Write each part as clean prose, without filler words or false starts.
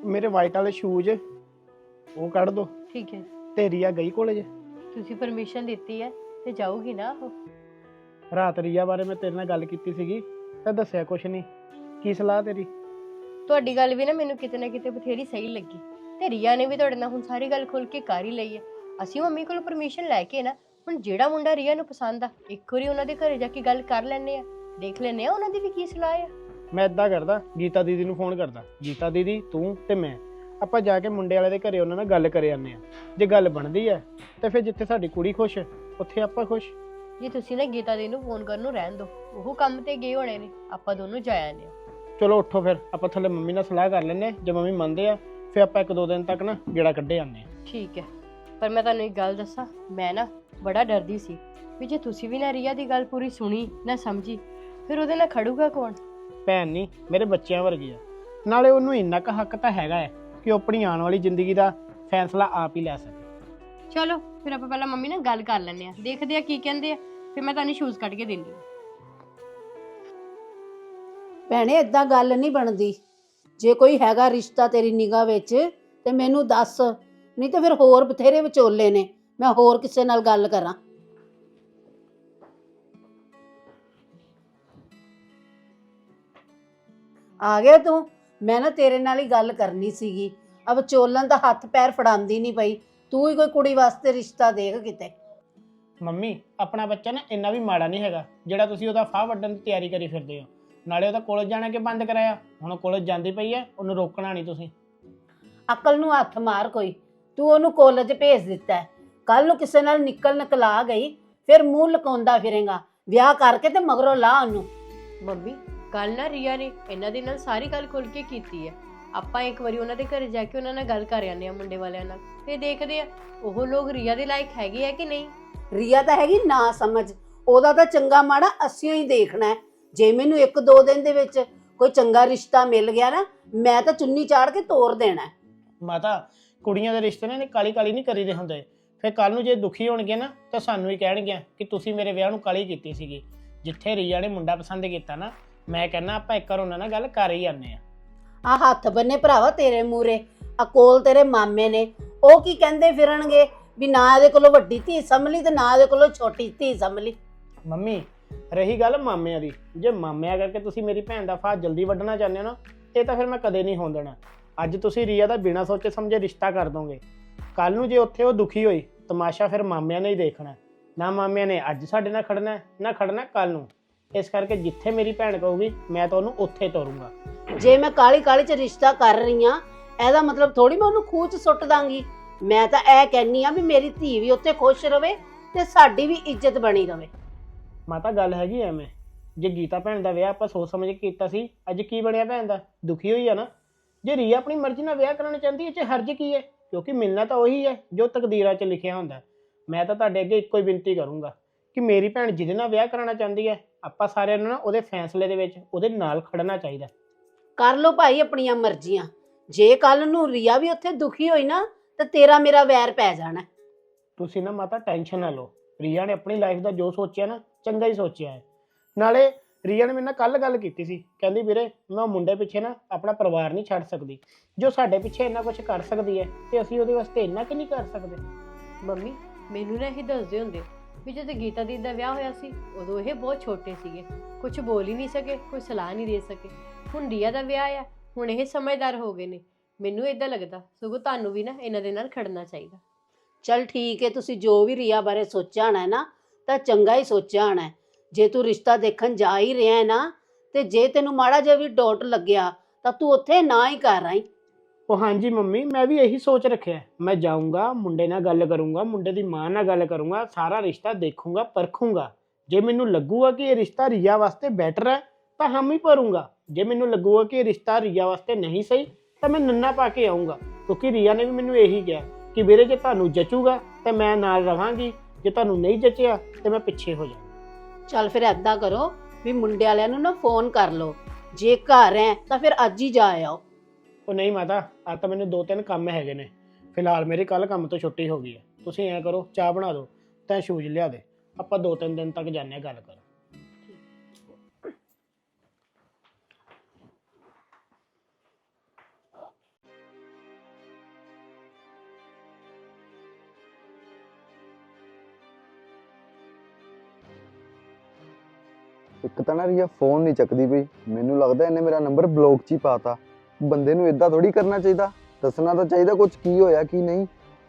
ਮੇਰੇ ਵਾਈਟ ਵਾਲੇ ਸ਼ੂਜ਼ ਉਹ ਕੱਢ ਦੋ। ਠੀਕ ਹੈ, ਤੇ ਰੀਆ ਗਈ ਕਾਲਜ? ਤੁਸੀਂ ਪਰਮਿਸ਼ਨ ਦਿੱਤੀ ਹੈ ਤੇ ਜਾਊਗੀ ਨਾ ਉਹ। ਰਾਤ ਰੀਆ ਬਾਰੇ ਮੈਂ ਤੇਰੇ ਨਾਲ ਗੱਲ ਕੀਤੀ ਸੀਗੀ ਤਾਂ ਦੱਸਿਆ ਕੁਛ ਨਹੀਂ। ਕੀ ਸਲਾਹ ਤੇਰੀ? ਤੁਹਾਡੀ ਗੱਲ ਵੀ ਨਾ ਮੈਨੂੰ ਕਿਤੇ ਨਾ ਕਿਤੇ ਬਥੇਰੀ ਸਹੀ ਲੱਗੀ ਤੇ ਰੀਆ ਨੇ ਵੀ ਤੁਹਾਡੇ ਨਾਲ ਹੁਣ ਸਾਰੀ ਗੱਲ ਖੁੱਲ ਕੇ ਕਰ ਹੀ ਲਈ ਹੈ। ਅਸੀਂ ਮੰਮੀ ਕੋਲੋਂ ਪਰਮਿਸ਼ਨ ਲੈ ਕੇ ਨਾ ਹੁਣ ਜਿਹੜਾ ਮੁੰਡਾ ਰੀਆ ਨੂੰ ਪਸੰਦ ਆ ਇੱਕ ਵਾਰੀ ਉਹਨਾਂ ਦੇ ਘਰੇ ਜਾ ਕੇ ਗੱਲ ਕਰ ਲੈਣੇ ਆ, ਦੇਖ ਲੈਣੇ ਆ ਉਹਨਾਂ ਦੀ ਵੀ ਕੀ ਸਲਾਹ ਆ। ਮੈਂ ਇਦਾਂ ਕਰਦਾ, ਗੀਤਾ ਦੀਦੀ ਨੂੰ ਫੋਨ ਕਰਦਾ। ਗੀਤਾ ਦੀਦੀ, ਤੂੰ ਤੇ ਮੈਂ ਆਪਾਂ ਜਾ ਕੇ ਮੁੰਡੇ ਵਾਲੇ ਦੇ ਘਰੇ ਉਹਨਾਂ ਨਾਲ ਗੱਲ ਕਰੇ ਆਨੇ ਆ। ਜੇ ਗੱਲ ਬਣਦੀ ਹੈ ਤੇ ਫਿਰ ਜਿੱਥੇ ਸਾਡੀ ਕੁੜੀ ਖੁਸ਼ ਉੱਥੇ ਆਪਾਂ ਖੁਸ਼। ਜੀ ਤੁਸੀਂ ਨਾ ਗੀਤਾ ਦੀ ਨੂੰ ਫੋਨ ਕਰਨ ਨੂੰ ਰਹਿਣ ਦਿਓ, ਉਹ ਕੰਮ ਤੇ ਗਏ ਹੋਣੇ ਨੇ, ਆਪਾਂ ਦੋਨੋਂ ਜਾ ਆਨੇ ਆ। ਚਲੋ ਉੱਠੋ ਫਿਰ ਆਪਾਂ ਥੱਲੇ ਮੰਮੀ ਨਾਲ ਸਲਾਹ ਕਰ ਲੈਂਦੇ ਹਾਂ। ਜੇ ਮੰਮੀ ਮੰਨਦੇ ਆ ਫਿਰ ਆਪਾਂ 1-2 ਦਿਨ ਤੱਕ ਨਾ ਗੇੜਾ ਕੱਢੇ ਆਨੇ ਆ। ਠੀਕ ਹੈ, ਪਰ ਮੈਂ ਤੁਹਾਨੂੰ ਇੱਕ ਗੱਲ ਦੱਸਾਂ, ਮੈਂ ਨਾ ਬੜਾ ਡਰਦੀ ਸੀ ਵੀ ਜੇ ਤੁਸੀਂ ਵੀ ਨਾ ਰੀਆ ਦੀ ਗੱਲ ਪੂਰੀ ਸੁਣੀ ਨਾ ਸਮਝੀ ਫਿਰ ਉਹਦੇ ਨਾਲ ਖੜੂਗਾ ਕੌਣ? ਭੈਣ ਨਹੀਂ, ਮੇਰੇ ਬੱਚਿਆਂ ਵਰਗੀ ਆ। ਨਾਲੇ ਉਹਨੂੰ ਇੰਨਾ ਕੁ ਹੱਕ ਤਾਂ ਹੈਗਾ ਹੈ ਕਿ ਉਹ ਆਪਣੀ ਆਉਣ ਵਾਲੀ ਜ਼ਿੰਦਗੀ ਦਾ ਫੈਸਲਾ ਆਪ ਹੀ ਲੈ ਸਕੇ। ਚਲੋ ਫਿਰ ਆਪਾਂ ਪਹਿਲਾਂ ਮੰਮੀ ਨਾਲ ਗੱਲ ਕਰ ਲੈਂਦੇ ਆ, ਦੇਖਦੇ ਆ ਕੀ ਕਹਿੰਦੇ ਆ, ਫਿਰ ਮੈਂ ਤੁਹਾਨੂੰ ਸ਼ੂਜ਼ ਕੱਢ ਕੇ ਦਿੰਦੀ ਹਾਂ। ਭੈਣੇ ਏਦਾਂ ਗੱਲ ਨਹੀਂ ਬਣਦੀ। ਜੇ ਕੋਈ ਹੈਗਾ ਰਿਸ਼ਤਾ ਤੇਰੀ ਨਿਗਾਹ ਵਿੱਚ ਤੇ ਮੈਨੂੰ ਦੱਸ, ਨਹੀਂ ਤੇ ਫਿਰ ਹੋਰ ਬਥੇਰੇ ਵਿਚੋਲੇ ਨੇ, ਮੈਂ ਹੋਰ ਕਿਸੇ ਨਾਲ ਗੱਲ ਕਰਾਂ। ਆ ਗਿਆ ਤੂੰ? ਮੈਂ ਨਾ ਤੇਰੇ ਨਾਲ ਹੀ ਗੱਲ ਕਰਨੀ ਸੀਗੀ। ਅਬ ਵਿਚੋਲਣ ਦਾ ਹੱਥ ਪੈਰ ਫੜਾਉਂਦੀ ਨਹੀਂ ਪਈ, ਤੂੰ ਹੀ ਕੋਈ ਕੁੜੀ ਵਾਸਤੇ ਰਿਸ਼ਤਾ ਦੇਖ ਕਿਤੇ। ਮੰਮੀ, ਆਪਣਾ ਬੱਚਾ ਨਾ ਇੰਨਾ ਵੀ ਮਾੜਾ ਨਹੀਂ ਹੈਗਾ ਜਿਹੜਾ ਤੁਸੀਂ ਉਹਦਾ ਫਾਹ ਵੱਢਣ ਦੀ ਤਿਆਰੀ ਕਰੀ ਫਿਰਦੇ ਹੋ। ਨਾਲੇ ਉਹਦਾ ਕਾਲਜ ਜਾਣਾ ਕਿ ਬੰਦ ਕਰਾਇਆ? ਹੁਣ ਕਾਲਜ ਜਾਂਦੀ ਪਈ ਹੈ, ਉਹਨੂੰ ਰੋਕਣਾ ਨਹੀਂ ਤੁਸੀਂ। ਅਕਲ ਨੂੰ ਹੱਥ ਮਾਰ ਕੋਈ। ਤੂੰ ਉਹਨੂੰ ਕਾਲਜ ਭੇਜ ਦਿੱਤਾ, ਕੱਲ ਨੂੰ ਕਿਸੇ ਨਾਲ ਨਿਕਲਾ ਗਈ ਫਿਰ ਮੂੰਹ ਲਕਾਉਂਦਾ ਫਿਰੇਗਾ। ਵਿਆਹ ਕਰਕੇ ਤੇ ਮਗਰੋਂ ਲਾ ਉਹਨੂੰ। ਮੰਮੀ ਕੱਲ ਨਾ ਰੀਆ ਨੇ ਇਹਨਾਂ ਦੇ ਨਾਲ ਸਾਰੀ ਗੱਲ ਖੁੱਲ ਕੇ ਕੀਤੀ ਹੈ। ਆਪਾਂ ਇੱਕ ਵਾਰੀ ਉਹਨਾਂ ਦੇ ਘਰੇ ਜਾ ਕੇ ਉਹਨਾਂ ਨਾਲ ਗੱਲ ਕਰ ਆਨੇ ਆ ਮੁੰਡੇ ਵਾਲਿਆਂ ਨਾਲ, ਫਿਰ ਦੇਖਦੇ ਆ ਉਹ ਲੋਕ ਰੀਆ ਦੇ ਲਾਇਕ ਹੈਗੇ ਆ ਕਿ ਨਹੀਂ। ਰੀਆ ਤਾਂ ਹੈਗੀ ਨਾ ਸਮਝ, ਉਹਦਾ ਤਾਂ ਚੰਗਾ ਮਾੜਾ ਅਸੀਂ ਹੀ ਦੇਖਣਾ ਹੈ। ਜੇ ਮੈਨੂੰ 1-2 ਦਿਨ ਦੇ ਵਿੱਚ ਕੋਈ ਚੰਗਾ ਰਿਸ਼ਤਾ ਮਿਲ ਗਿਆ ਨਾ, ਮੈਂ ਤਾਂ ਚੁੰਨੀ ਚਾੜ ਕੇ ਤੋਰ ਦੇਣਾ। ਮਾਤਾ, ਕੁੜੀਆਂ ਦੇ ਰਿਸ਼ਤੇ ਨੇ ਕਾਲੀ ਕਾਲੀ ਨਹੀਂ ਕਰੀਦੇ ਹੁੰਦੇ। ਫਿਰ ਕੱਲ ਨੂੰ ਜੇ ਦੁਖੀ ਹੋਣਗੇ ਨਾ ਤਾਂ ਸਾਨੂੰ ਹੀ ਕਹਿਣਗੇ ਕਿ ਤੁਸੀਂ ਮੇਰੇ ਵਿਆਹ ਨੂੰ ਕਾਲੀ ਕੀਤੀ ਸੀਗੀ। ਜਿੱਥੇ ਰੀਆ ਨੇ ਮੁੰਡਾ ਪਸੰਦ ਕੀਤਾ ਨਾ, ਮੈਂ ਕਹਿੰਦਾ ਆਪਾਂ ਇੱਕ ਵਾਰ ਉਹਨਾਂ ਨਾਲ ਗੱਲ ਕਰ ਹੀ ਆਨੇ ਆ। ਆ ਹੱਥ ਬੰਨੇ ਭਰਾਵਾ ਤੇਰੇ ਮੂਰੇ, ਆ ਕੋਲ ਤੇਰੇ ਮਾਮੇ ਨੇ, ਉਹ ਕੀ ਕਹਿੰਦੇ ਫਿਰਨਗੇ ਵੀ ਨਾ ਇਹਦੇ ਕੋਲੋਂ ਵੱਡੀ ਧੀ ਸੰਭਲੀ ਤੇ ਨਾ ਇਹਦੇ ਕੋਲੋਂ ਛੋਟੀ ਧੀ ਸੰਭਲੀ। ਮੰਮੀ, ਰਹੀ ਗੱਲ ਮਾਮਿਆਂ ਦੀ, ਜੇ ਮਾਮਿਆਂ ਕਰਕੇ ਤੁਸੀਂ ਮੇਰੀ ਭੈਣ ਦਾ ਫਾਹ ਜਲਦੀ ਵੱਢਣਾ ਚਾਹੁੰਦੇ ਹੋ ਨਾ, ਇਹ ਤਾਂ ਫਿਰ ਮੈਂ ਕਦੇ ਨਹੀਂ ਹੋਣ ਦੇਣਾ। ਅੱਜ ਤੁਸੀਂ ਰੀਆ ਦਾ ਬਿਨਾਂ ਸੋਚੇ ਸਮਝੇ ਰਿਸ਼ਤਾ ਕਰ ਦੋਗੇ, ਕੱਲ ਨੂੰ ਜੇ ਉੱਥੇ ਉਹ ਦੁਖੀ ਹੋਈ ਤਮਾਸ਼ਾ ਫਿਰ ਮਾਮਿਆਂ ਨੇ ਹੀ ਦੇਖਣਾ। ਨਾ ਮਾਮਿਆਂ ਨੇ ਅੱਜ ਸਾਡੇ ਨਾਲ ਖੜਨਾ, ਨਾ ਖੜਨਾ ਕੱਲ ਨੂੰ। ਇਸ ਕਰਕੇ ਜਿੱਥੇ ਮੇਰੀ ਭੈਣ ਕਹੂਗੀ ਮੈਂ ਤਾਂ ਉਹਨੂੰ ਉੱਥੇ ਤੋਰੂੰਗਾ। ਜੇ ਮੈਂ ਕਾਲੀ ਕਾਲੀ ਚ ਰਿਸ਼ਤਾ ਕਰ ਰਹੀ ਆ, ਇਹਦਾ ਮਤਲਬ ਥੋੜੀ ਮੈਂ ਉਹਨੂੰ ਖੂਹ ਚ ਸੁੱਟ ਦਾਂਗੀ। ਮੈਂ ਤਾਂ ਇਹ ਕਹਿੰਨੀ ਆ ਵੀ ਮੇਰੀ ਧੀ ਵੀ ਉੱਥੇ ਖੁਸ਼ ਰਵੇ ਤੇ ਸਾਡੀ ਵੀ ਇੱਜ਼ਤ ਬਣੀ ਰਵੇ। ਮਾਤਾ, ਗੱਲ ਹੈਗੀ ਐਵੇਂ, ਜੇ ਗੀਤਾ ਭੈਣ ਦਾ ਵਿਆਹ ਆਪਾਂ ਸੋਚ ਸਮਝ ਕੇ ਕੀਤਾ ਸੀ, ਅੱਜ ਕੀ ਬਣਿਆ ਭੈਣ ਦਾ? ਦੁਖੀ ਹੋਈ ਆ ਨਾ। ਜੇ ਰੀਆ ਆਪਣੀ ਮਰਜ਼ੀ ਨਾਲ ਵਿਆਹ ਕਰਾਉਣਾ ਚਾਹੁੰਦੀ ਹੈ, ਇਹ 'ਚ ਹਰਜ ਕੀ ਹੈ? ਕਿਉਂਕਿ ਮਿਲਣਾ ਤਾਂ ਉਹੀ ਹੈ ਜੋ ਤਕਦੀਰਾਂ 'ਚ ਲਿਖਿਆ ਹੁੰਦਾ। ਮੈਂ ਤਾਂ ਤੁਹਾਡੇ ਅੱਗੇ ਇੱਕੋ ਹੀ ਬੇਨਤੀ ਕਰੂੰਗਾ ਕਿ ਮੇਰੀ ਭੈਣ ਜਿਹਦੇ ਨਾਲ ਵਿਆਹ ਕਰਾਉਣਾ ਚਾਹੁੰਦੀ ਹੈ, ਆਪਾਂ ਸਾਰਿਆਂ ਨੂੰ ਨਾ ਉਹਦੇ ਫੈਸਲੇ ਦੇ ਵਿੱਚ ਉਹਦੇ ਨਾਲ ਖੜਨਾ ਚਾਹੀਦਾ। ਕਰ ਲੋ ਭਾਈ ਆਪਣੀਆਂ ਮਰਜ਼ੀਆਂ। ਜੇ ਕੱਲ ਨੂੰ ਰੀਆ ਵੀ ਉੱਥੇ ਦੁਖੀ ਹੋਈ ਨਾ ਤੇ ਤੇਰਾ ਮੇਰਾ ਵੈਰ ਪੈ ਜਾਣਾ। ਤੁਸੀਂ ਨਾ ਮਾਤਾ ਟੈਨਸ਼ਨ ਨਾ ਲਓ। ਰੀਆ ਨੇ ਆਪਣੀ ਲਾਈਫ ਦਾ ਜੋ ਸੋਚਿਆ ਨਾ, ਚੰਗਾ ਹੀ ਸੋਚਿਆ ਹੈ। ਨਾਲੇ ਰੀਆ ਨੇ ਮੇਰੇ ਨਾਲ ਕੱਲ ਗੱਲ ਕੀਤੀ ਸੀ, ਕਹਿੰਦੀ ਵੀਰੇ ਮੈਂ ਮੁੰਡੇ ਪਿੱਛੇ ਨਾ ਆਪਣਾ ਪਰਿਵਾਰ ਨਹੀਂ ਛੱਡ ਸਕਦੀ। ਜੋ ਸਾਡੇ ਪਿੱਛੇ ਇੰਨਾ ਕੁਝ ਕਰ ਸਕਦੀ ਹੈ ਤੇ ਅਸੀਂ ਉਹਦੇ ਵਾਸਤੇ ਇੰਨਾ ਕਿ ਨਹੀਂ ਕਰ ਸਕਦੇ। ਮੰਮੀ ਮੈਨੂੰ ਨਾ ਇਹ ਦੱਸਦੇ ਹੁੰਦੇ ਵੀ ਜਦੋਂ ਗੀਤਾ ਦੀ ਦਾ ਵਿਆਹ ਹੋਇਆ ਸੀ ਉਦੋਂ ਇਹ ਬਹੁਤ ਛੋਟੇ ਸੀਗੇ, ਕੁਝ ਬੋਲ ਹੀ ਨਹੀਂ ਸਕੇ, ਕੋਈ ਸਲਾਹ ਨਹੀਂ ਦੇ ਸਕੇ। ਹੁਣ ਰੀਆ ਦਾ ਵਿਆਹ ਆ, ਹੁਣ ਇਹ ਸਮਝਦਾਰ ਹੋ ਗਏ ਨੇ। ਮੈਨੂੰ ਇਦਾਂ ਲੱਗਦਾ ਸਗੋਂ ਤੁਹਾਨੂੰ ਵੀ ਨਾ ਇਹਨਾਂ ਦੇ ਨਾਲ ਖੜਨਾ ਚਾਹੀਦਾ। ਚਲ ਠੀਕ ਹੈ, ਤੁਸੀਂ ਜੋ ਵੀ ਰੀਆ ਬਾਰੇ ਸੋਚਿਆ ਹੋਣਾ ਨਾ ਤਾਂ ਚੰਗਾ ਹੀ ਸੋਚਿਆ ਹੋਣਾ। ਜੇ ਤੂੰ ਰਿਸ਼ਤਾ ਦੇਖਣ ਜਾ ਹੀ ਰਿਹਾ ਹੈ ਨਾ, ਤੇ ਜੇ ਤੈਨੂੰ ਮਾੜਾ ਜਿਹਾ ਵੀ ਡੋਟ ਲੱਗਿਆ ਤਾਂ ਤੂੰ ਉੱਥੇ ਨਾ ਹੀ ਕਰ ਆਈ। ਉਹ ਹਾਂਜੀ ਮੰਮੀ, ਮੈਂ ਵੀ ਇਹੀ ਸੋਚ ਰੱਖਿਆ। ਮੈਂ ਜਾਊਂਗਾ, ਮੁੰਡੇ ਨਾਲ ਗੱਲ ਕਰੂੰਗਾ, ਮੁੰਡੇ ਦੀ ਮਾਂ ਨਾਲ ਗੱਲ ਕਰੂੰਗਾ, ਸਾਰਾ ਰਿਸ਼ਤਾ ਦੇਖੂੰਗਾ, ਪਰਖੂੰਗਾ। ਜੇ ਮੈਨੂੰ ਲੱਗੂਗਾ ਕਿ ਇਹ ਰਿਸ਼ਤਾ ਰੀਆ ਵਾਸਤੇ ਬੈਟਰ ਹੈ ਤਾਂ ਹਮ ਹੀ ਭਰੂੰਗਾ। ਜੇ ਮੈਨੂੰ ਲੱਗੂਗਾ ਕਿ ਇਹ ਰਿਸ਼ਤਾ ਰੀਆ ਵਾਸਤੇ ਨਹੀਂ ਸਹੀ ਤਾਂ ਮੈਂ ਨੰਨਾ ਪਾ ਕੇ ਆਊਂਗਾ। ਕਿਉਂਕਿ ਰੀਆ ਨੇ ਵੀ ਮੈਨੂੰ ਇਹੀ ਕਿਹਾ ਕਿ ਵੀਰੇ ਜੇ ਤੁਹਾਨੂੰ ਜਚੂਗਾ ਤਾਂ ਮੈਂ ਨਾਲ ਰਵਾਂਗੀ, ਜੇ ਤੁਹਾਨੂੰ ਨਹੀਂ ਜਚਿਆ ਤਾਂ ਮੈਂ ਪਿੱਛੇ ਹੋ ਜਾਵਾਂ। ਚੱਲ ਫਿਰ ਏਦਾਂ ਕਰੋ ਵੀ ਮੁੰਡੇ ਵਾਲਿਆਂ ਨੂੰ ਨਾ ਫੋਨ ਕਰ ਲਓ, ਜੇ ਘਰ ਹੈ ਤਾਂ ਫਿਰ ਅੱਜ ਹੀ ਜਾ ਆਓ। ਉਹ ਨਹੀਂ ਮਾਤਾ, ਅੱਜ ਤਾਂ ਮੈਨੂੰ 2-3 ਕੰਮ ਹੈਗੇ ਨੇ। ਫਿਲਹਾਲ ਮੇਰੀ ਕੱਲ ਕੰਮ ਤੋਂ ਛੁੱਟੀ ਹੋ ਗਈ ਹੈ। ਤੁਸੀਂ ਐਂ ਕਰੋ, ਚਾਹ ਬਣਾ ਦਿਓ ਤਾਂ ਸ਼ੂਜ਼ ਲਿਆ ਦੇ, ਆਪਾਂ 2-3 ਦਿਨ ਤੱਕ ਜਾਂਦੇ ਹਾਂ ਗੱਲ ਕਰ। ਇੱਕ ਤਾਂ ਨਾ ਰੀਆ ਫੋਨ ਨਹੀਂ ਚੱਕਦੀ ਪਈ, ਮੈਨੂੰ ਲੱਗਦਾ ਇਹਨੇ ਮੇਰਾ ਨੰਬਰ ਬਲੌਕ 'ਚ ਹੀ ਪਾਤਾ। ਬੰਦੇ ਨੂੰ ਇਦਾਂ ਥੋੜੀ ਕਰਨਾ ਚਾਹੀਦਾ, ਦੱਸਣਾ ਤਾਂ ਚਾਹੀਦਾ ਕੁਝ ਕੀ ਹੋਇਆ ਕੀ ਨਹੀਂ।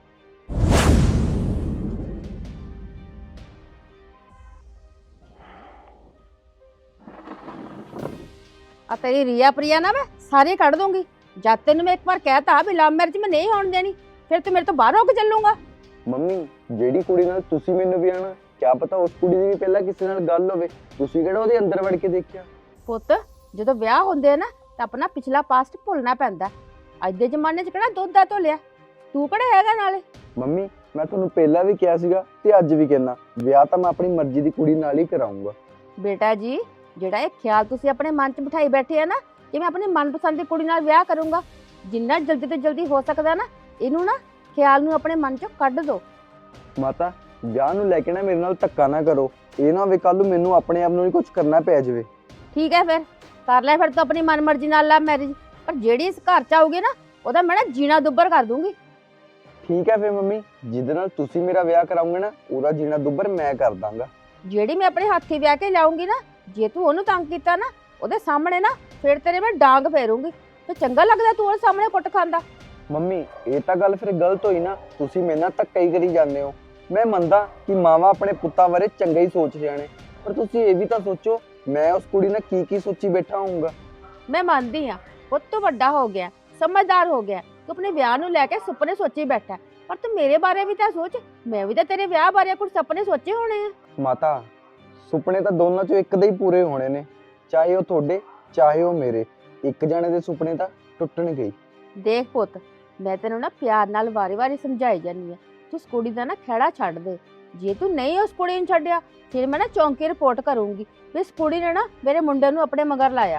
ਆ ਤੇਰੀ ਰੀਆ ਪ੍ਰਿਆ ਨਾ ਮੈਂ ਸਾਰੇ ਕੱਢ ਦੂੰਗੀ। ਜਦ ਤੈਨੂੰ ਮੈਂ ਇੱਕ ਵਾਰ ਕਹਿਤਾ ਵੀ ਲਵ ਮੈਰਿਜ ਮੈਂ ਨਹੀਂ ਹੋਣ ਦੇਣੀ, ਫਿਰ ਤੂੰ ਮੇਰੇ ਤੋਂ ਬਾਹਰ ਹੋ ਕੇ ਚੱਲੂਗਾ। ਮੰਮੀ ਜਿਹੜੀ ਕੁੜੀ ਨਾਲ ਤੁਸੀਂ ਮੈਨੂੰ ਵਿਆਹਣਾ, ਕਿਆ ਪਤਾ ਉਸ ਕੁੜੀ ਦੀ ਵੀ ਪਹਿਲਾਂ ਕਿਸੇ ਨਾਲ ਗੱਲ ਹੋਵੇ, ਤੁਸੀਂ ਕਿਹੜਾ ਉਹਦੇ ਅੰਦਰ ਵੜ ਕੇ ਦੇਖਿਆ। ਪੁੱਤ ਜਦੋਂ ਵਿਆਹ ਹੁੰਦੇ ਆ ਨਾ ਤਾਂ ਆਪਣਾ ਪਿਛਲਾ ਪਾਸਟ ਭੁੱਲਣਾ ਪੈਂਦਾ। ਅੱਜ ਦੇ ਜ਼ਮਾਨੇ 'ਚ ਕਿਹੜਾ ਦੁੱਧ ਦਾ ਧੋਲਿਆ, ਤੂੰ ਕਿਹੜਾ ਹੈਗਾ ਨਾਲੇ। ਮੰਮੀ ਮੈਂ ਤੁਹਾਨੂੰ ਪਹਿਲਾਂ ਵੀ ਕਿਹਾ ਸੀਗਾ ਤੇ ਅੱਜ ਵੀ ਕਹਿੰਦਾ, ਵਿਆਹ ਤਾਂ ਮੈਂ ਆਪਣੀ ਮਰਜ਼ੀ ਦੀ ਕੁੜੀ ਨਾਲ ਹੀ ਕਰਾਉਂਗਾ। ਬੇਟਾ ਜੀ ਜਿਹੜਾ ਇਹ ਖਿਆਲ ਤੁਸੀਂ ਆਪਣੇ ਮਨ 'ਚ ਬਿਠਾਈ ਬੈਠੇ ਆ ਨਾ ਕਿ ਮੈਂ ਆਪਣੀ ਮਨਪਸੰਦ ਦੀ ਕੁੜੀ ਨਾਲ ਵਿਆਹ ਕਰੂੰਗਾ, ਜਿੰਨਾ ਜਲਦੀ ਤੋਂ ਜਲਦੀ ਹੋ ਸਕਦਾ ਨਾ ਇਹਨੂੰ ਨਾ ਖਿਆਲ ਨੂੰ ਆਪਣੇ ਮਨ 'ਚੋਂ ਕੱਢ ਦਿਓ। ਮਾਤਾ ਵਿਆਹ ਨੂੰ ਲੈ ਕੇ ਨਾ ਮੇਰੇ ਨਾਲ ਧੱਕਾ ਨਾ ਕਰੋ, ਇਹ ਨਾ ਹੋਵੇ ਕੱਲ ਨੂੰ ਮੈਨੂੰ ਆਪਣੇ ਆਪ ਨੂੰ ਹੀ ਕੁਝ ਕਰਨਾ ਪੈ ਜਾਵੇ। ਠੀਕ ਹੈ ਫਿਰ ਕਰ ਲੈ ਫਿਰ ਤੂੰ ਆਪਣੀ ਮਨਮਰਜ਼ੀ ਨਾਲ ਲਵ ਮੈਰਿਜ, ਪਰ ਜਿਹੜੀ ਇਸ ਘਰ 'ਚ ਆਊਗੀ ਨਾ ਉਹਦਾ ਮੈਂ ਨਾ ਜੀਣਾ ਦੁੱਬਰ ਕਰ ਦੂੰਗੀ। ਠੀਕ ਹੈ ਫਿਰ ਮੰਮੀ, ਜਿਹਦੇ ਨਾਲ ਤੁਸੀਂ ਮੇਰਾ ਵਿਆਹ ਕਰਾਉਂਗੇ ਨਾ ਉਹਦਾ ਜੀਣਾ ਦੁੱਬਰ ਮੈਂ ਕਰ ਦਾਂਗਾ। ਜਿਹੜੀ ਮੈਂ ਆਪਣੇ ਹੱਥੀ ਵਿਆਹ ਕੇ ਲਾਉਂਗੀ ਨਾ, ਜੇ ਤੂੰ ਉਹਨੂੰ ਤੰਗ ਕੀਤਾ ਨਾ ਉਹਦੇ ਸਾਹਮਣੇ ਨਾ ਫਿਰ ਤੇਰੇ ਮੈਂ ਡਾਂਗ ਫੇਰੂੰਗੀ। ਤੇ ਚੰਗਾ ਲੱਗਦਾ ਤੂੰ ਉਹਦੇ ਸਾਹਮਣੇ ਕੁੱਟ ਖਾਂਦਾ। ਮੰਮੀ ਇਹ ਤਾਂ ਗੱਲ ਫਿਰ ਗਲਤ ਹੋਈ ਨਾ, ਤੁਸੀਂ ਮੇਰੇ ਨਾਲ ਧੱਕਾ ਹੀ ਕਰੀ ਜਾਂਦੇ ਹੋ। ਮੈਂ ਮੰਨਦਾ ਕਿ ਮਾਵਾਂ ਆਪਣੇ ਪੁੱਤਾਂ ਬਾਰੇ ਚੰਗਾ ਹੀ ਸੋਚ ਰਹੀਆਂ ਨੇ, ਪਰ ਤੁਸੀਂ ਇਹ ਵੀ ਤਾਂ ਸੋਚੋ ਮੈਂ ਉਸ ਕੁੜੀ ਨਾਲ ਕੀ ਸੋਚੀ ਬੈਠਾ ਹੋਊਂਗਾ। ਮੈਂ ਮੰਨਦੀ ਆ ਪੁੱਤ ਤੂੰ ਵੱਡਾ ਹੋ ਗਿਆ, ਸਮਝਦਾਰ ਹੋ ਗਿਆ, ਤੂੰ ਆਪਣੇ ਵਿਆਹ ਨੂੰ ਲੈ ਕੇ ਸੁਪਨੇ ਸੋਚੀ ਬੈਠਾ, ਪਰ ਤੂੰ ਮੇਰੇ ਬਾਰੇ ਵੀ ਤਾਂ ਸੋਚ। ਮੈਂ ਵੀ ਤਾਂ ਤੇਰੇ ਵਿਆਹ ਬਾਰੇ ਕੁਝ ਸੁਪਨੇ ਸੋਚੇ ਹੋਣੇ ਆ। ਮਾਤਾ ਸੁਪਨੇ ਤਾਂ ਦੋਨਾਂ ਚੋਂ ਇੱਕ ਦੇ ਹੀ ਪੂਰੇ ਹੋਣੇ ਨੇ, ਚਾਹੇ ਉਹ ਤੁਹਾਡੇ ਚਾਹੇ ਉਹ ਮੇਰੇ। ਇੱਕ ਜਣੇ ਦੇ ਸੁਪਨੇ ਤਾਂ ਟੁੱਟਣਗੇ ਹੀ। ਦੇਖ ਪੁੱਤ ਮੈਂ ਤੈਨੂੰ ਨਾ ਪਿਆਰ ਨਾਲ ਵਾਰੀ-ਵਾਰੀ ਸਮਝਾਈ ਜਾਂਦੀ ਆ, ਤੂੰ ਉਸ ਕੁੜੀ ਦਾ ਨਾ ਖਹਿੜਾ ਛੱਡ ਦੇ। ਜੇ ਤੂੰ ਨਹੀਂ ਉਸ ਕੁੜੀ ਨੂੰ ਛੱਡਿਆ ਫਿਰ ਮੈਂ ਨਾ ਚੌਂਕੀ ਰਿਪੋਰਟ ਕਰੂੰਗੀ ਵੀ ਇਸ ਕੁੜੀ ਨੇ ਨਾ ਮੇਰੇ ਮੁੰਡੇ ਨੂੰ ਆਪਣੇ ਮਗਰ ਲਾਇਆ।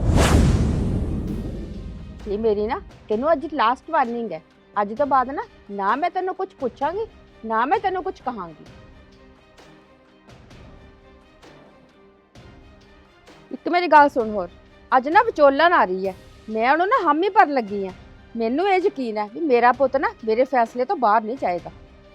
ਇਹ ਮੇਰੀ ਨਾ ਤੈਨੂੰ ਅੱਜ ਲਾਸਟ ਵਾਰਨਿੰਗ ਹੈ। ਅੱਜ ਤੋਂ ਬਾਅਦ ਨਾ ਮੈਂ ਤੈਨੂੰ ਕੁਝ ਪੁੱਛਾਂਗੀ ਨਾ ਮੈਂ ਤੈਨੂੰ ਕੁਝ ਕਹਾਂਗੀ। ਇੱਕ ਮੇਰੀ ਗੱਲ ਸੁਣ ਹੋਰ, ਅੱਜ ਨਾ ਵਿਚੋਲਣ ਆ ਰਹੀ ਹੈ, ਮੈਂ ਉਹਨੂੰ ਨਾ ਹਾਮੀ ਭਰਨ ਲੱਗੀ ਆ। ਮੈਨੂੰ ਇਹ ਯਕੀਨ ਹੈ ਵੀ ਮੇਰਾ ਪੁੱਤ ਨਾ ਮੇਰੇ ਫੈਸਲੇ ਤੋਂ ਬਾਹਰ ਨਹੀਂ ਜਾਏਗਾ।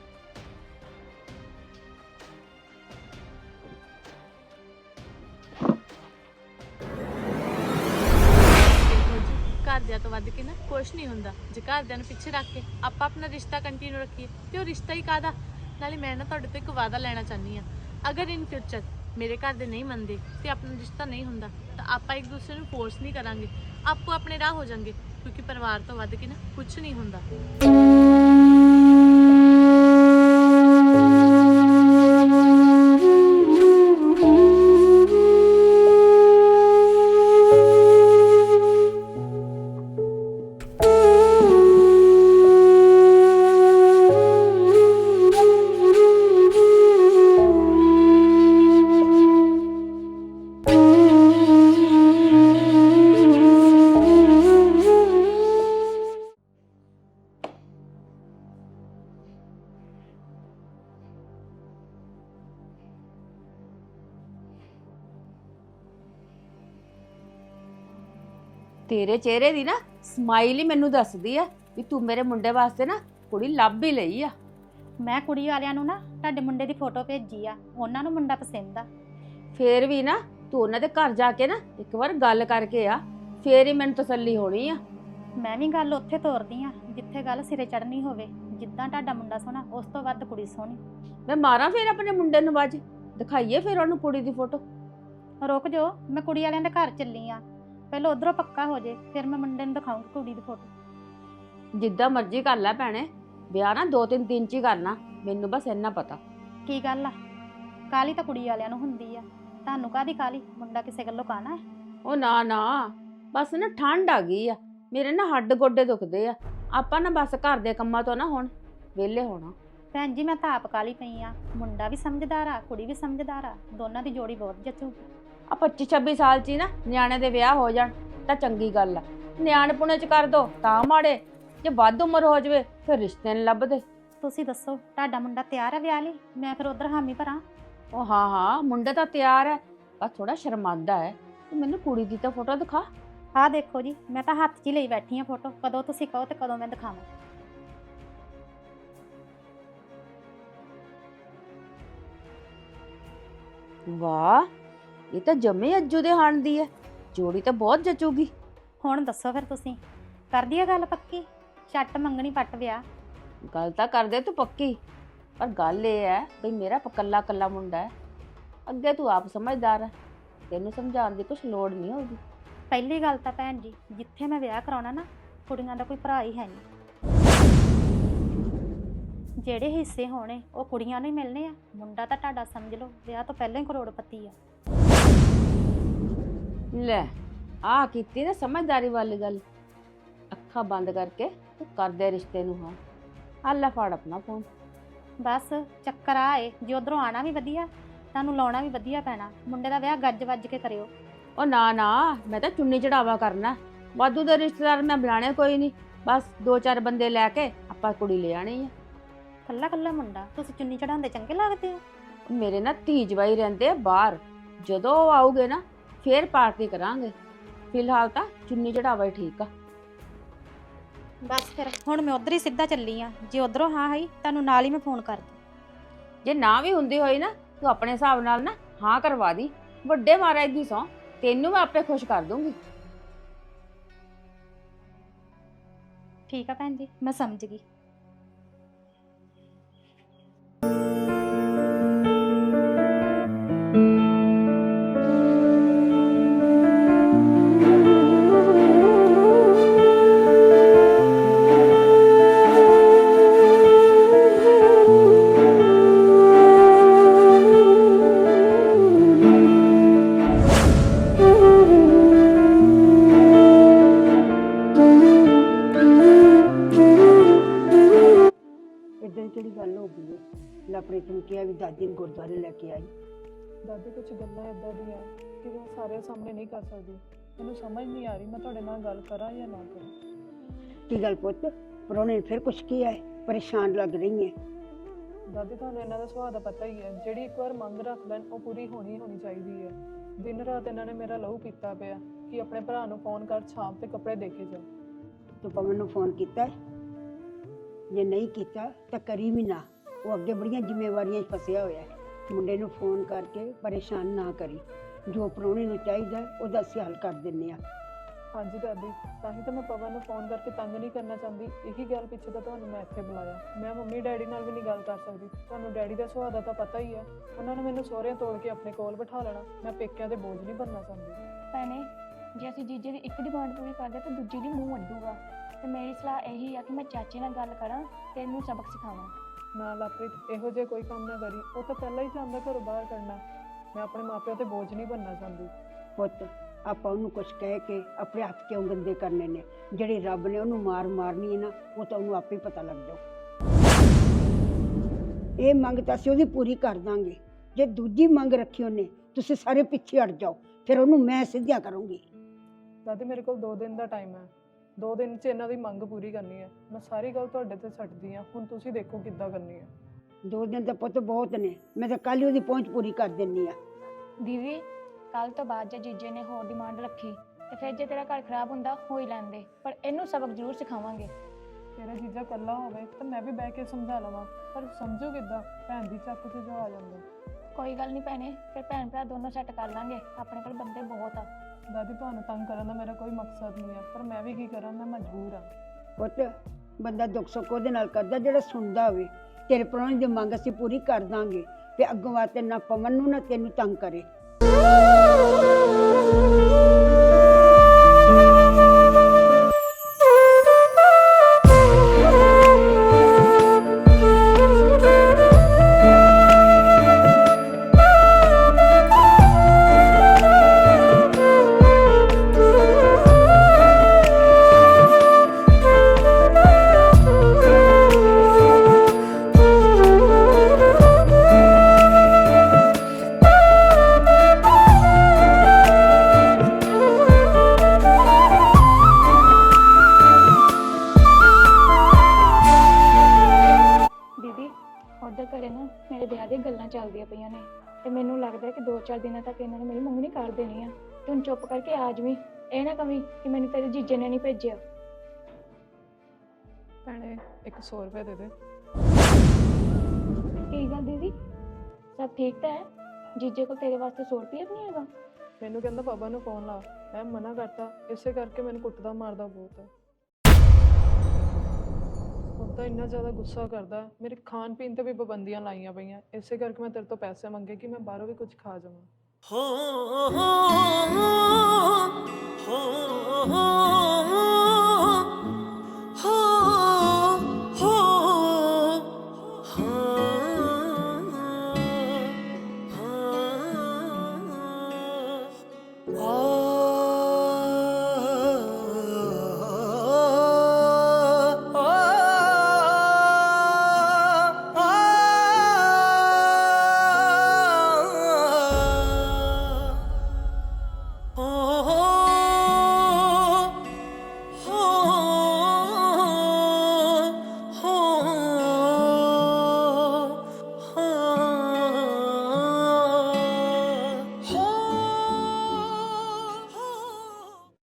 ਘਰਦਿਆਂ ਤੋਂ ਵੱਧ ਕੇ ਨਾ ਕੁਛ ਨਹੀਂ ਹੁੰਦਾ। ਜੇ ਘਰਦਿਆਂ ਨੂੰ ਪਿੱਛੇ ਰੱਖ ਕੇ ਆਪਾਂ ਆਪਣਾ ਰਿਸ਼ਤਾ ਕੰਟੀਨਿਊ ਰੱਖੀਏ ਤੇ ਉਹ ਰਿਸ਼ਤਾ ਹੀ ਕਾਹਦਾ। ਨਾਲੇ ਮੈਂ ਨਾ ਤੁਹਾਡੇ ਤੋਂ ਇੱਕ ਵਾਅਦਾ ਲੈਣਾ ਚਾਹੁੰਦੀ ਆ, ਅਗਰ ਇਨ ਫਿਊਚਰ ਮੇਰੇ ਘਰ ਦੇ ਨਹੀਂ ਮੰਨਦੇ ਤੇ ਆਪਣਾ ਰਿਸ਼ਤਾ ਨਹੀਂ ਹੁੰਦਾ ਤਾਂ ਆਪਾਂ ਇੱਕ ਦੂਸਰੇ ਨੂੰ ਫੋਰਸ ਨਹੀਂ ਕਰਾਂਗੇ, ਆਪੋ ਆਪਣੇ ਰਾਹ ਹੋ ਜਾਣਗੇ, ਕਿਉਂਕਿ ਪਰਿਵਾਰ ਤੋਂ ਵੱਧ ਕੇ ਨਾ ਕੁਛ ਨਹੀਂ ਹੁੰਦਾ। ਤੇਰੇ ਚਿਹਰੇ ਦੀ ਨਾ ਸਮਾਈਲ ਹੀ ਮੈਨੂੰ ਦੱਸਦੀ ਆ ਵੀ ਤੂੰ ਮੇਰੇ ਮੁੰਡੇ ਵਾਸਤੇ ਨਾ ਕੁੜੀ ਲੱਭ ਹੀ ਲਈ ਆ। ਮੈਂ ਕੁੜੀ ਵਾਲਿਆਂ ਨੂੰ ਨਾ ਤੁਹਾਡੇ ਮੁੰਡੇ ਦੀ ਫੋਟੋ ਭੇਜੀ ਆ, ਉਹਨਾਂ ਨੂੰ ਮੁੰਡਾ ਪਸੰਦ ਆ। ਫੇਰ ਵੀ ਨਾ ਤੂੰ ਉਹਨਾਂ ਦੇ ਘਰ ਜਾ ਕੇ ਨਾ ਇੱਕ ਵਾਰ ਗੱਲ ਕਰਕੇ ਆ, ਫੇਰ ਹੀ ਮੈਨੂੰ ਤਸੱਲੀ ਹੋਣੀ ਆ। ਮੈਂ ਵੀ ਗੱਲ ਉੱਥੇ ਤੋਰਦੀ ਆ ਜਿੱਥੇ ਗੱਲ ਸਿਰੇ ਚੜਨੀ ਹੋਵੇ। ਜਿੱਦਾਂ ਤੁਹਾਡਾ ਮੁੰਡਾ ਸੋਹਣਾ ਉਸ ਤੋਂ ਵੱਧ ਕੁੜੀ ਸੋਹਣੀ। ਮੈਂ ਮਾਰਾਂ ਫੇਰ ਆਪਣੇ ਮੁੰਡੇ ਨੂੰ ਵੱਜ, ਦਿਖਾਈਏ ਫੇਰ ਉਹਨੂੰ ਕੁੜੀ ਦੀ ਫੋਟੋ। ਰੁਕ ਜਾਓ, ਮੈਂ ਕੁੜੀ ਵਾਲਿਆਂ ਦੇ ਘਰ ਚੱਲੀ ਆ, ਪਹਿਲਾਂ ਉਧਰੋਂ ਪੱਕਾ ਹੋ ਜੇ ਫਿਰ ਮੈਂ ਮੁੰਡੇ ਨੂੰ ਦਿਖਾਉਂਗੀ ਕੁੜੀ ਦੀ ਫੋਟੋ। ਜਿੱਦਾਂ ਮਰਜ਼ੀ ਕਰ ਲੈ ਭੈਣੇ, ਵਿਆਹ ਨਾ 2-3 ਦਿਨ ਚ ਹੀ ਕਰਨਾ, ਮੈਨੂੰ ਬਸ ਇੰਨਾ ਪਤਾ। ਕੀ ਗੱਲ ਆ, ਕਾਲੀ ਤਾਂ ਕੁੜੀ ਵਾਲਿਆਂ ਨੂੰ ਹੁੰਦੀ ਆ, ਤੁਹਾਨੂੰ ਕਾਹਦੀ ਕਾਲੀ? ਮੁੰਡਾ ਕਿਸੇ ਗੱਲੋਂ ਕਾਹਨਾ ਹੈ? ਉਹ ਨਾ ਬਸ ਨਾ ਠੰਡ ਆ ਗਈ ਆ, ਮੇਰੇ ਨਾ ਹੱਡ ਗੋਡੇ ਦੁਖਦੇ ਆ। ਆਪਾਂ ਨਾ ਬਸ ਘਰ ਦੇ ਕੰਮਾਂ ਤੋਂ ਨਾ ਹੁਣ ਵਿਹਲੇ ਹੋਣਾ। ਭੈਣ ਜੀ ਮੈਂ ਤਾਂ ਆਪ ਕਾਲੀ ਪਈ ਆ, ਮੁੰਡਾ ਵੀ ਸਮਝਦਾਰ ਆ ਕੁੜੀ ਵੀ ਸਮਝਦਾਰ ਆ, ਦੋਨਾਂ ਦੀ ਜੋੜੀ ਬਹੁਤ ਜੱਚੂਗੀ। ਆ 25-26 ਸਾਲ ਚ ਹੀ ਨਾ ਨਿਆਣੇ ਦੇ ਵਿਆਹ ਹੋ ਜਾਣ ਤਾਂ ਚੰਗੀ ਗੱਲ ਆ। ਨਿਆਣ ਪੁਣੇ ਚ ਕਰ ਦੋ ਤਾਂ ਮਾੜੇ, ਜੇ ਵੱਧ ਉਮਰ ਹੋ ਜਾਵੇ ਫਿਰ ਰਿਸ਼ਤੇ ਨਹੀਂ ਲੱਭਦੇ। ਤੁਸੀਂ ਦੱਸੋ ਤੁਹਾਡਾ ਮੁੰਡਾ ਤਿਆਰ ਆ ਵਿਆਹ ਲਈ? ਮੈਂ ਫਿਰ ਉਧਰ ਹਾਮੀ ਭਰਾਂ। ਉਹ ਹਾਂ ਮੁੰਡਾ ਤਾਂ ਤਿਆਰ ਹੈ, ਬਸ ਥੋੜਾ ਸ਼ਰਮਾਂਦਾ ਹੈ। ਤੂੰ ਮੈਨੂੰ ਕੁੜੀ ਦੀ ਤਾਂ ਫੋਟੋ ਦਿਖਾ। ਆਹ ਦੇਖੋ ਜੀ, ਮੈਂ ਤਾਂ ਹੱਥ 'ਚ ਹੀ ਲਈ ਬੈਠੀ ਆ ਫੋਟੋ, ਕਦੋਂ ਤੁਸੀਂ ਕਹੋ ਤੇ ਕਦੋਂ ਮੈਂ ਦਿਖਾਵਾਂ। ਵਾਹ ਇਹ ਤਾਂ ਜੰਮੇ ਅੱਜੂ ਦੇ ਹਾਣ ਦੀ ਹੈ, ਜੋੜੀ ਤਾਂ ਬਹੁਤ ਜਚੂਗੀ। ਹੁਣ ਦੱਸੋ ਫਿਰ ਤੁਸੀਂ, ਕਰ ਦਈਏ ਗੱਲ ਪੱਕੀ? ਛੱਟ ਮੰਗਣੀ ਪੱਟ ਵਿਆਹ। ਗੱਲ ਤਾਂ ਕਰਦੇ ਤੂੰ ਪੱਕੀ, ਪਰ ਗੱਲ ਇਹ ਹੈ ਵੀ ਮੇਰਾ ਕੱਲਾ ਕੱਲਾ ਮੁੰਡਾ ਹੈ। ਅੱਗੇ ਤੂੰ ਆਪ ਸਮਝਦਾਰ ਹੈ, ਤੈਨੂੰ ਸਮਝਾਉਣ ਦੀ ਕੁਛ ਲੋੜ ਨਹੀਂ ਹੋਊਗੀ। ਪਹਿਲੀ ਗੱਲ ਤਾਂ ਭੈਣ ਜੀ, ਜਿੱਥੇ ਮੈਂ ਵਿਆਹ ਕਰਾਉਣਾ ਨਾ, ਕੁੜੀਆਂ ਦਾ ਕੋਈ ਭਰਾ ਹੀ ਹੈ ਨਹੀਂ। ਜਿਹੜੇ ਹਿੱਸੇ ਹੋਣੇ ਉਹ ਕੁੜੀਆਂ ਨੂੰ ਹੀ ਮਿਲਣੇ ਆ। ਮੁੰਡਾ ਤਾਂ ਤੁਹਾਡਾ ਸਮਝ ਲਓ ਵਿਆਹ ਤੋਂ ਪਹਿਲਾਂ ਹੀ ਕਰੋੜਪਤੀ ਆ। ਲੈ ਆ ਕੀਤੀ ਨਾ ਸਮਝਦਾਰੀ ਵਾਲੀ ਗੱਲ। ਅੱਖਾਂ ਬੰਦ ਕਰਕੇ ਤੂੰ ਕਰਦੇ ਰਿਸ਼ਤੇ ਨੂੰ। ਹਾਂ ਆ ਲੈ ਫੜ ਆਪਣਾ ਫੋਨ। ਬਸ ਚੱਕਰ ਆਏ, ਜੇ ਉਧਰੋਂ ਆਣਾ ਵੀ ਵਧੀਆ, ਤੁਹਾਨੂੰ ਲਾਉਣਾ ਵੀ ਵਧੀਆ ਪੈਣਾ। ਮੁੰਡੇ ਦਾ ਵਿਆਹ ਗੱਜ ਵੱਜ ਕੇ ਕਰਿਓ। ਉਹ ਨਾ ਨਾ, ਮੈਂ ਤਾਂ ਚੁੰਨੀ ਚੜਾਵਾ ਕਰਨਾ। ਵਾਧੂ ਦੇ ਰਿਸ਼ਤੇਦਾਰ ਮੈਂ ਬਣਾਣੇ ਕੋਈ ਨਹੀਂ, ਬਸ 2-4 ਬੰਦੇ ਲੈ ਕੇ ਆਪਾਂ ਕੁੜੀ ਲੈ ਆਣੀ ਆ। ਕੱਲਾ ਕੱਲਾ ਮੁੰਡਾ, ਤੁਸੀਂ ਚੁੰਨੀ ਚੜਾਉਂਦੇ ਚੰਗੇ ਲੱਗਦੇ ਹੋ? ਮੇਰੇ ਨਾ ਧੀ ਜਵਾਈ ਰਹਿੰਦੇ ਆ ਬਾਹਰ, ਜਦੋਂ ਉਹ ਆਉਗੇ ਨਾ ਫੇਰ ਪਾਰਟੀ ਕਰਾਂਗੇ। ਫਿਲਹਾਲ ਤਾਂ ਚੁੰਨੀ ਚੜਾਵਾ ਹੀ ਠੀਕ ਆ। ਬਸ ਫਿਰ ਹੁਣ ਮੈਂ ਉਧਰ ਹੀ ਸਿੱਧਾ ਚੱਲੀ ਆ। ਜੇ ਉਧਰੋਂ ਹਾਂ ਹੋਈ ਤੁਹਾਨੂੰ ਨਾਲ ਹੀ ਮੈਂ ਫੋਨ ਕਰ ਦੂੰ। ਜੇ ਨਾ ਵੀ ਹੁੰਦੀ ਹੋਈ ਨਾ, ਤੂੰ ਆਪਣੇ ਹਿਸਾਬ ਨਾਲ ਨਾ ਹਾਂ ਕਰਵਾ ਦੀ। ਵੱਡੇ ਮਹਾਰਾਜ ਦੀ ਸਹੁੰ, ਤੈਨੂੰ ਮੈਂ ਆਪੇ ਖੁਸ਼ ਕਰ ਦੂੰਗੀ। ਠੀਕ ਆ ਭੈਣ ਜੀ, ਮੈਂ ਸਮਝ ਗਈ। ਇਦਾਂ ਕਿਹੜੀ ਗੱਲ ਹੋ ਗਈ ਹੈ? ਲਵਪ੍ਰੀਤ ਨੂੰ ਕਿਹਾ ਵੀ ਦਾਦੀ ਨੂੰ ਗੁਰਦੁਆਰੇ ਲੈ ਕੇ ਆਈ। ਦਾਦੀ ਕੁਝ ਗੱਲਾਂ ਇਦਾਂ ਦੀਆਂ ਕਿ ਮੈਂ ਸਾਰਿਆਂ ਸਾਹਮਣੇ ਨਹੀਂ ਕਰ ਸਕਦੀ। ਮੈਨੂੰ ਸਮਝ ਨਹੀਂ ਆ ਰਹੀ ਮੈਂ ਤੁਹਾਡੇ ਨਾਲ ਗੱਲ ਕਰਾਂ ਜਾਂ ਨਾ ਕਰਾਂ। ਕੀ ਗੱਲ ਪੁੱਤ, ਪ੍ਰਾਹੁਣੇ ਨੇ ਫਿਰ ਕੁਛ ਕੀਤਾ ਹੈ? ਪਰੇਸ਼ਾਨ ਲੱਗ ਰਹੀ ਹੈ। ਦਾਦੀ ਤੁਹਾਨੂੰ ਇਹਨਾਂ ਦਾ ਸੁਭਾਅ ਦਾ ਪਤਾ ਹੀ ਹੈ, ਜਿਹੜੀ ਇੱਕ ਵਾਰ ਮੰਗ ਰੱਖ ਲੈਣ ਉਹ ਪੂਰੀ ਹੋਣੀ ਚਾਹੀਦੀ ਹੈ। ਦਿਨ ਰਾਤ ਇਹਨਾਂ ਨੇ ਮੇਰਾ ਲਹੂ ਪੀਤਾ ਪਿਆ ਕਿ ਆਪਣੇ ਭਰਾ ਨੂੰ ਫੋਨ ਕਰ ਸ਼ਾਮ ਤੇ ਕੱਪੜੇ ਦੇ ਕੇ ਜਾ। ਤੂੰ ਪਵਨ ਨੂੰ ਫੋਨ ਕੀਤਾ ਹੈ? ਜੇ ਨਹੀਂ ਕੀਤਾ ਤਾਂ ਕਰੀ ਵੀ ਨਾ, ਉਹ ਅੱਗੇ ਬੜੀਆਂ ਜ਼ਿੰਮੇਵਾਰੀਆਂ 'ਚ ਫਸਿਆ ਹੋਇਆ ਹੈ। ਮੁੰਡੇ ਨੂੰ ਫੋਨ ਕਰਕੇ ਪਰੇਸ਼ਾਨ ਨਾ ਕਰੀ, ਜੋ ਪ੍ਰਾਹੁਣੇ ਨੂੰ ਚਾਹੀਦਾ ਉਹਦਾ ਅਸੀਂ ਹੱਲ ਕਰ ਦਿੰਦੇ ਹਾਂ। ਹਾਂਜੀ ਦਾਦੀ, ਤਾਂ ਹੀ ਤਾਂ ਮੈਂ ਪਵਨ ਨੂੰ ਫੋਨ ਕਰਕੇ ਤੰਗ ਨਹੀਂ ਕਰਨਾ ਚਾਹੁੰਦੀ। ਇਹੀ ਗੱਲ ਪਿੱਛੇ ਤਾਂ ਤੁਹਾਨੂੰ ਮੈਂ ਇੱਥੇ ਬੁਲਾਇਆ। ਮੈਂ ਮੰਮੀ ਡੈਡੀ ਨਾਲ ਵੀ ਨਹੀਂ ਗੱਲ ਕਰ ਸਕਦੀ। ਤੁਹਾਨੂੰ ਡੈਡੀ ਦਾ ਸੁਭਾਅ ਦਾ ਤਾਂ ਪਤਾ ਹੀ ਹੈ, ਉਹਨਾਂ ਨੇ ਮੈਨੂੰ ਸਹੁਰਿਆਂ ਤੋੜ ਕੇ ਆਪਣੇ ਕੋਲ ਬਿਠਾ ਲੈਣਾ। ਮੈਂ ਪੇਕਿਆਂ ਦੇ ਬੋਝ ਨਹੀਂ ਬਣਨਾ ਚਾਹੁੰਦੀ। ਭੈਣੇ, ਜੇ ਅਸੀਂ ਜੀਜੇ ਦੀ ਇੱਕ ਡਿਮਾਂਡ ਪੂਰੀ ਕਰਦੇ ਤਾਂ ਦੂਜੀ ਦੀ ਮੂੰਹ ਅੱਡੂਗਾ। ਤੇ ਮੇਰੀ ਸਲਾਹ ਇਹੀ ਆ ਕਿ ਮੈਂ ਚਾਚੇ ਨਾਲ ਗੱਲ ਕਰਾਂ ਤੇ ਇਹਨੂੰ ਸਬਕ ਸਿਖਾਵਾਂ। ਨਾ ਲਵਪ੍ਰੀਤ, ਇਹੋ ਜਿਹਾ ਕੋਈ ਕੰਮ ਨਾ ਕਰੀ। ਉਹ ਤਾਂ ਪਹਿਲਾਂ ਹੀ ਚਾਹੁੰਦਾ ਘਰੋਂ ਬਾਹਰ ਕੱਢਣਾ। ਮੈਂ ਆਪਣੇ ਮਾਪਿਆਂ ਤੇ ਬੋਝ ਨਹੀਂ ਬਣਨਾ ਚਾਹੁੰਦੀ। ਪੁੱਤ, ਆਪਾਂ ਉਹਨੂੰ ਕੁਛ ਕਹਿ ਕੇ ਆਪਣੇ ਹੱਥ ਕਿਉਂ ਗੰਦੇ ਕਰਨੇ ਨੇ? ਜਿਹੜੀ ਰੱਬ ਨੇ ਉਹਨੂੰ ਮਾਰਨੀ ਹੈ ਨਾ, ਉਹ ਤਾਂ ਉਹਨੂੰ ਆਪੇ ਪਤਾ ਲੱਗ ਜਾਊ। ਇਹ ਮੰਗ ਤਾਂ ਅਸੀਂ ਉਹਦੀ ਪੂਰੀ ਕਰ ਦਾਂਗੇ। ਜੇ ਦੂਜੀ ਮੰਗ ਰੱਖੀ ਉਹਨੇ, ਤੁਸੀਂ ਸਾਰੇ ਪਿੱਛੇ ਹਟ ਜਾਓ, ਫਿਰ ਉਹਨੂੰ ਮੈਂ ਸਿੱਧਿਆ ਕਰੂੰਗੀ। ਦਾਦੀ, ਮੇਰੇ ਕੋਲ 2 ਦਿਨ ਦਾ ਟਾਈਮ ਹੈ। 2 ਦਿਨ 'ਚ ਇਹਨਾਂ ਦੀ ਮੰਗ ਪੂਰੀ ਕਰਨੀ ਹੈ। ਮੈਂ ਸਾਰੀ ਗੱਲ ਤੁਹਾਡੇ ਤੇ ਛੱਡਦੀ ਹਾਂ, ਹੁਣ ਤੁਸੀਂ ਦੇਖੋ ਕਿੱਦਾਂ ਕਰਨੀ ਹੈ। 2 ਦਿਨ ਤਾਂ ਪੁੱਤ ਬਹੁਤ ਨੇ, ਮੈਂ ਤਾਂ ਕੱਲ੍ਹ ਹੀ ਉਹਦੀ ਪਹੁੰਚ ਪੂਰੀ ਕਰ ਦਿੰਦੀ ਆ। ਦੀਦੀ, ਕੱਲ ਤੋਂ ਬਾਅਦ ਜੇ ਜੀਜੇ ਨੇ ਹੋਰ ਡਿਮਾਂਡ ਰੱਖੀ ਤੇ ਫਿਰ ਜੇ ਤੇਰਾ ਘਰ ਖਰਾਬ ਹੁੰਦਾ ਹੋ ਹੀ ਲੈਂਦੇ, ਪਰ ਇਹਨੂੰ ਸਬਕ ਜ਼ਰੂਰ ਸਿਖਾਵਾਂਗੇ। ਤੇਰਾ ਜੀਜਾ ਇਕੱਲਾ ਹੋਵੇ ਤਾਂ ਮੈਂ ਵੀ ਬਹਿ ਕੇ ਸਮਝਾ ਲਵਾਂ, ਪਰ ਸਮਝੋ ਕਿੱਦਾਂ? ਭੈਣ ਦੀ ਚੱਕ 'ਚ ਜੋ ਆ ਜਾਂਦਾ। ਕੋਈ ਗੱਲ ਨਹੀਂ ਭੈਣੇ, ਫਿਰ ਭੈਣ ਭਰਾ ਦੋਨੋਂ ਸੈੱਟ ਕਰ ਲਾਂਗੇ। ਆਪਣੇ ਕੋਲ ਬੰਦੇ ਬਹੁਤ ਆ। ਦਾਦੀ, ਤੁਹਾਨੂੰ ਤੰਗ ਕਰਨ ਦਾ ਮੇਰਾ ਕੋਈ ਮਕਸਦ ਨਹੀਂ ਹੈ, ਪਰ ਮੈਂ ਵੀ ਕੀ ਕਰਾਂ, ਮੈਂ ਮਜਬੂਰ ਹਾਂ। ਪੁੱਤ, ਬੰਦਾ ਦੁੱਖ ਸੁੱਖ ਉਹਦੇ ਨਾਲ ਕਰਦਾ ਜਿਹੜਾ ਸੁਣਦਾ ਹੋਵੇ। ਤੇਰੇ ਪ੍ਰਾਹੁਣੇ ਦੀ ਮੰਗ ਅਸੀਂ ਪੂਰੀ ਕਰ ਦਾਂਗੇ ਤੇ ਅੱਗੋਂ ਵਾਸਤੇ ਨਾ ਪਵਨ ਨੂੰ ਨਾ ਤੈਨੂੰ ਤੰਗ ਕਰੇ। ਉੱਧਰ ਘਰੇ ਨਾ ਮੇਰੇ ਵਿਆਹ ਦੀਆਂ ਗੱਲਾਂ ਚੱਲਦੀਆਂ ਪਈਆਂ ਨੇ ਤੇ ਮੈਨੂੰ ਲੱਗਦਾ ਕਿ 2-4 ਦਿਨਾਂ ਤੱਕ ਇਹਨਾਂ ਨੇ ਮੇਰੀ ਮੰਗਣੀ ਕਰ ਦੇਣੀ ਆ। ਤੇ ਹੁਣ ਚੁੱਪ ਕਰਕੇ ਆ ਜਾਵੀਂ, ਇਹ ਨਾ ਕਵੀਂ ਕਿ ਮੈਨੂੰ ਤੇਰੇ ਜੀਜੇ ਨੇ ਨਹੀਂ ਭੇਜਿਆ। ਭੈਣੇ, 100 ਰੁਪਏ ਦੇ ਦੇ। ਕੀ ਗੱਲ ਦੀਦੀ, ਸਭ ਠੀਕ ਤਾਂ ਹੈ? ਜੀਜੇ ਕੋਲ ਤੇਰੇ ਵਾਸਤੇ 100 ਰੁਪਏ ਵੀ ਨਹੀਂ ਹੈਗਾ? ਮੈਨੂੰ ਕਹਿੰਦਾ ਪਾਪਾ ਨੂੰ ਫੋਨ ਲਾ, ਮੈਂ ਮਨਾ ਕਰਤਾ, ਇਸੇ ਕਰਕੇ ਮੈਨੂੰ ਕੁੱਟਦਾ ਮਾਰਦਾ ਬਹੁਤ ਹੈ। ਹੁਣ ਤਾਂ ਇੰਨਾ ਜ਼ਿਆਦਾ ਗੁੱਸਾ ਕਰਦਾ, ਮੇਰੇ ਖਾਣ ਪੀਣ ਤੇ ਵੀ ਪਾਬੰਦੀਆਂ ਲਾਈਆਂ ਪਈਆਂ, ਇਸੇ ਕਰਕੇ ਮੈਂ ਤੇਰੇ ਤੋਂ ਪੈਸੇ ਮੰਗੇ ਕਿ ਮੈਂ ਬਾਹਰੋਂ ਵੀ ਕੁਝ ਖਾ ਜਾਵਾਂ। Oh